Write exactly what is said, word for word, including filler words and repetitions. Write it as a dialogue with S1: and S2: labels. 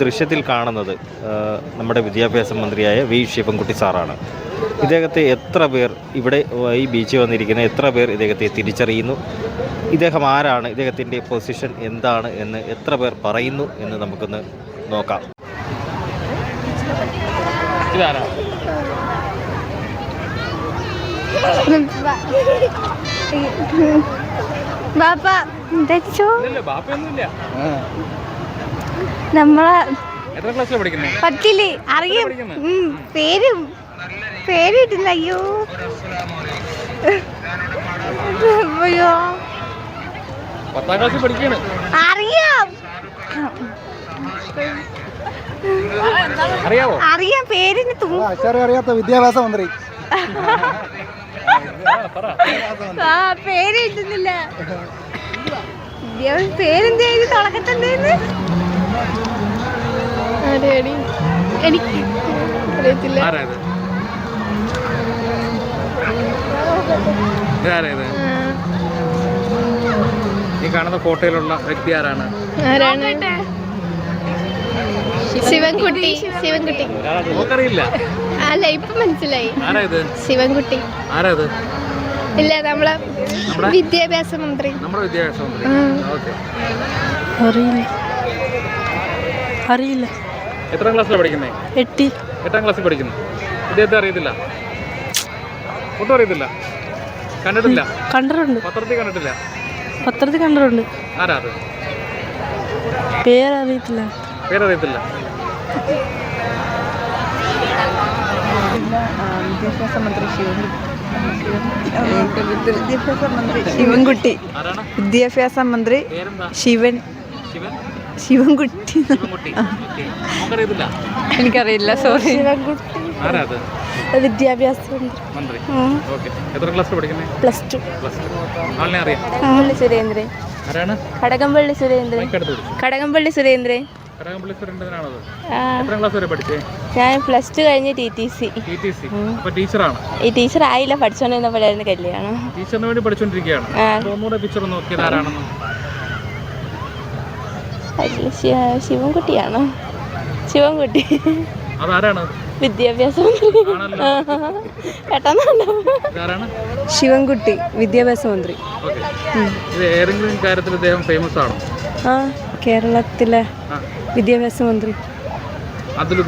S1: ദൃശ്യത്തിൽ കാണുന്നത് നമ്മുടെ വിദ്യാഭ്യാസ മന്ത്രിയായ വി ശിവൻകുട്ടി സാറാണ്. ഇദ്ദേഹത്തെ എത്ര പേർ ഇവിടെ ഈ ബീച്ചിൽ വന്നിരിക്കുന്ന എത്ര പേർ ഇദ്ദേഹത്തെ തിരിച്ചറിയുന്നു, ഇദ്ദേഹം ആരാണ്, ഇദ്ദേഹത്തിൻ്റെ പൊസിഷൻ എന്താണ് എന്ന് എത്ര പേർ പറയുന്നു എന്ന് നമുക്കൊന്ന് നോക്കാം. ഇതാരാ?
S2: നമ്മളെ പത്തില് അറിയും, പേരും പേര് കിട്ടുന്ന. അയ്യോ അയ്യോ
S3: പത്താം ക്ലാസ്സിൽ പഠിക്കാണ്.
S2: അറിയാം
S3: അറിയാവോ?
S2: അറിയാം, പേരിന്
S4: അറിയാത്ത വിദ്യാഭ്യാസ മന്ത്രി.
S2: ആ പേര് കിട്ടുന്നില്ല. പേരെന്തായാലും തുടക്കത്തണ്ടേന്ന് എനിക്ക് അറിയത്തില്ല.
S3: ഈ കാണുന്ന ഫോട്ടോയിലുള്ള വ്യക്തി ആരാണ്?
S2: ശിവൻകുട്ടി. ശിവൻകുട്ടി
S3: നമുക്കറിയില്ല.
S2: അല്ല, ഇപ്പൊ മനസ്സിലായി.
S3: ആരായത്?
S2: ശിവൻകുട്ടി.
S3: ആരാത്?
S2: ഇല്ല, നമ്മളെ വിദ്യാഭ്യാസ മന്ത്രി.
S3: നമ്മുടെ വിദ്യാഭ്യാസ മന്ത്രി. ഓക്കെ.
S5: അറിയില്ല അറിയില്ല
S3: എത്രാം ക്ലാസ്സിലാണ് പഠിക്കുന്നത്?
S5: എട്ടി
S3: എട്ടാം ക്ലാസ്സിൽ പഠിക്കുന്നു. ഇദ്ദേഹത്തെ അറിയത്തില്ല? ഒട്ടും അറിയത്തില്ല? കണ്ടിട്ടില്ല?
S5: കണ്ടിട്ടുണ്ട്,
S3: പത്രത്തിൽ കണ്ടിട്ടില്ല?
S5: പത്രത്തിൽ കണ്ടിട്ടുണ്ട്.
S3: ആരാ അത്?
S5: പേരറിയത്തില്ല.
S3: പേരറിയത്തില്ല.
S6: വിദ്യാഭ്യാസ മന്ത്രി വിദ്യാഭ്യാസ മന്ത്രി ശിവൻകുട്ടി. വിദ്യാഭ്യാസ മന്ത്രി ശിവൻ ശിവൻകുട്ടി. എനിക്കറിയില്ല, സോറി.
S5: വിദ്യാഭ്യാസ
S3: മന്ത്രി. എത്ര ക്ലാസ് പഠിക്കുന്നത്?
S5: Plus two.
S3: ആളിനെ അറിയാം?
S2: സുരേന്ദ്രൻ.
S3: ആരാണ്?
S2: കടകംപള്ളി സുരേന്ദ്രൻ. കടകംപള്ളി സുരേന്ദ്രൻ.
S3: കടകംപള്ളി സുരേന്ദ്രനാണത്. എത്രാം ക്ലാസ് വരെ പഠിച്ചേ?
S2: ഞാൻ പ്ലസ് ടു കഴിഞ്ഞ് T T C.
S3: T T C. അപ്പൊ ടീച്ചറാണ്?
S2: ഈ ടീച്ചർ ആയില്ല, പഠിച്ചോണ്ടിരുന്നപ്പോഴായിരുന്നു കല്യാണം.
S3: ടീച്ചറിന് വേണ്ടി പഠിച്ചോണ്ടിരിക്കുകയാണ്. ഒന്നുകൂടെ പിക്ചർ നോക്കിയത് ആരാണെന്ന്?
S2: ശിവൻകുട്ടിയാണോ? ശിവൻകുട്ടി.
S3: അതാരാണ്?
S2: വിദ്യാഭ്യാസ മന്ത്രി.
S6: ശിവൻകുട്ടി വിദ്യാഭ്യാസ മന്ത്രി.
S3: ഇത് ഏതെങ്കിലും കാര്യത്തിൽ അദ്ദേഹം ഫേമസ് ആണോ?
S6: ആ, കേരളത്തിലെ വിദ്യാഭ്യാസ മന്ത്രി.
S3: അതിൽ